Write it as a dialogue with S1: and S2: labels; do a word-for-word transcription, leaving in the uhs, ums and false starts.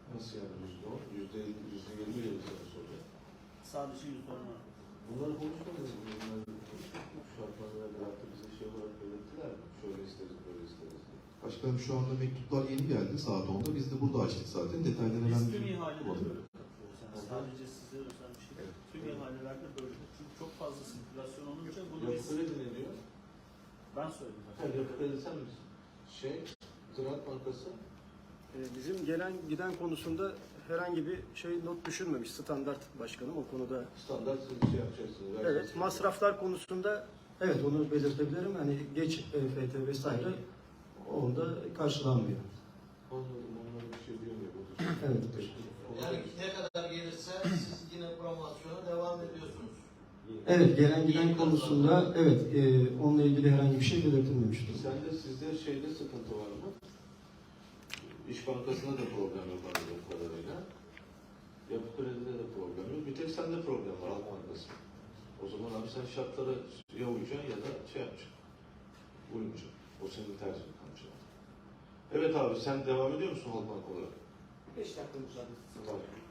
S1: Nasıl yani yüzde on? Yüzde elli, yüzde yirmi yirmi sana soruyor.
S2: Sadece yüzde on.
S1: Bunları konuşmadınız mı? Bunları konuşmadık. Şartlarına bıraktı bize şey olarak belirttiler mi? Şöyle isteriz, böyle isteriz diye.
S3: Başkanım şu anda mektuplar yeni geldi saat onda. Biz de burada açtık zaten. Detaylarını
S2: Biz
S3: hemen
S2: tüm ihaleleri
S3: bulamadım.
S2: böyle katılıyoruz. Yani sadece size özel bir şey değil. Tüm ihalelerde böyle. Çünkü çok fazla sirkülasyon olunca bunu
S1: Yapı
S2: biz...
S1: kredi ne diyor?
S2: Ben söyledim.
S1: Ha, yapı kredi sen misin? Şey, Ziraat Bankası.
S4: Ee, Bizim gelen giden konusunda herhangi bir şey not düşürmemiş standart başkanım o konuda.
S1: Standart siz şey yapacaksınız.
S4: Evet,
S1: versiniz.
S4: masraflar konusunda evet onu belirtebilirim. Hani geç E F T vesaire onda karşılanmıyor.
S1: Anladım, onlara bir şey diyemiyor.
S4: Evet.
S5: Yani ne kadar gelirse siz yine promosyona devam ediyorsunuz.
S4: Evet, gelen giden konusunda evet e, onunla ilgili herhangi bir şey belirtilmemiştir.
S1: Sen de sizde şeyde sıkıntı var mı? İş Bankası'nda da problem yok anladığım kadarıyla. Yapı Kredi'de de problem yok. Bir tek sende problem var Halk Bankası. O zaman abi sen şartlara ya uyacaksın ya da şey yapacaksın. Uymayacaksın. O senin tercihin kalacak. Evet abi sen devam ediyor musun Halk Bank olarak?
S6: beş dakika müsaade.
S1: Tamam.